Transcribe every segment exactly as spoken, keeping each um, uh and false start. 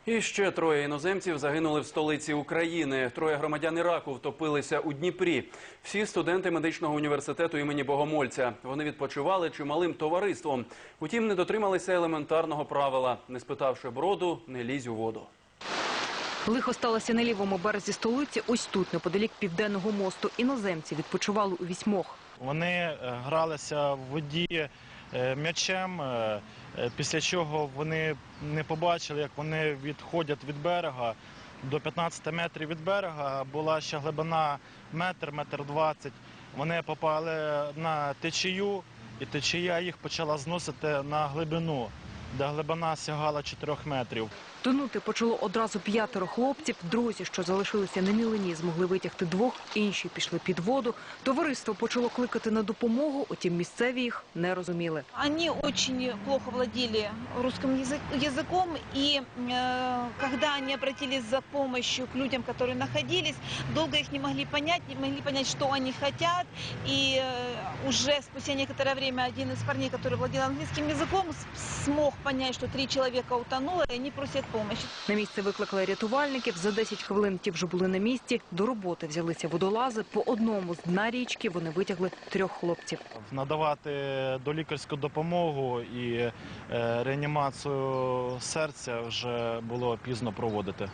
І ще троє іноземців загинули в столиці України. Троє громадян Іраку втопилися у Дніпрі. Всі студенти медичного університету імені Богомольця. Вони відпочивали чималим товариством. Утім, не дотрималися елементарного правила. Не спитавши броду, не лізь у воду. Лихо сталося на лівому березі столиці, ось тут, неподалік Південного мосту. Іноземці відпочивали у вісьмох. Вони гралися в воді м'ячем, після чого вони не побачили, як вони відходять від берега. До п'ятнадцяти метрів від берега була ще глибина метр, метр двадцять. Вони попали на течію, і течія їх почала зносити на глибину, де глибина сягала чотирьох метрів. Тонути почало одразу п'ятеро хлопців. Друзі, що залишилися на мілині, змогли витягти двох, інші пішли під воду. Товариство почало кликати на допомогу, утім місцеві їх не розуміли. Они очень плохо владели русским языком, и э, когда они обратились за помощью к людям, которые находились, долго их не могли понять, не могли понять, что они хотят. И э, уже спустя некоторое время один из парней, который владел английским языком, смог понять, что три человека утонуло, и они просят помощи. На місце викликали рятувальників. За десять хвилин ті вже були на місці. До роботи взялися водолази. По одному з дна річки вони витягли трьох хлопців. Надавати долікарську допомогу і е, реанімацію серця вже було пізно проводити.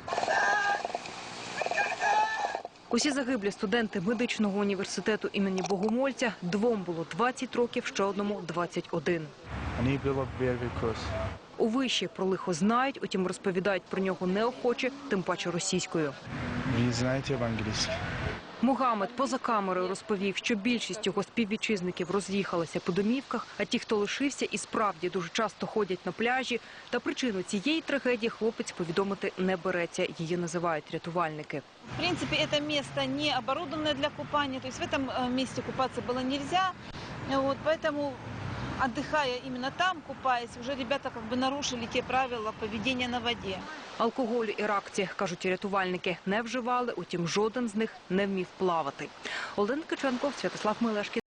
Усі загиблі студенти медичного університету імені Богомольця. Двом було двадцять років, ще одному – двадцять один. У виші про лихо знають, утім розповідають про нього неохоче, тим паче російською. Ви знаєте англійську? Мухаммед поза камерою розповів, що більшість його співвітчизників роз'їхалися по домівках, а ті, хто лишився, і справді дуже часто ходять на пляжі. Та причину цієї трагедії хлопець повідомити не береться. Її називають рятувальники. В принципе, это место не оборудованное для купания, то есть в этом месте купаться было нельзя. Вот, поэтому, отдыхая именно там, купаясь, уже ребята как бы нарушили те правила поведения на воде. Алкоголю іракці, кажуть рятувальники, не вживали, утім жоден з них не вмів плавати. Олена Ткаченко, Святослав Мелешкін.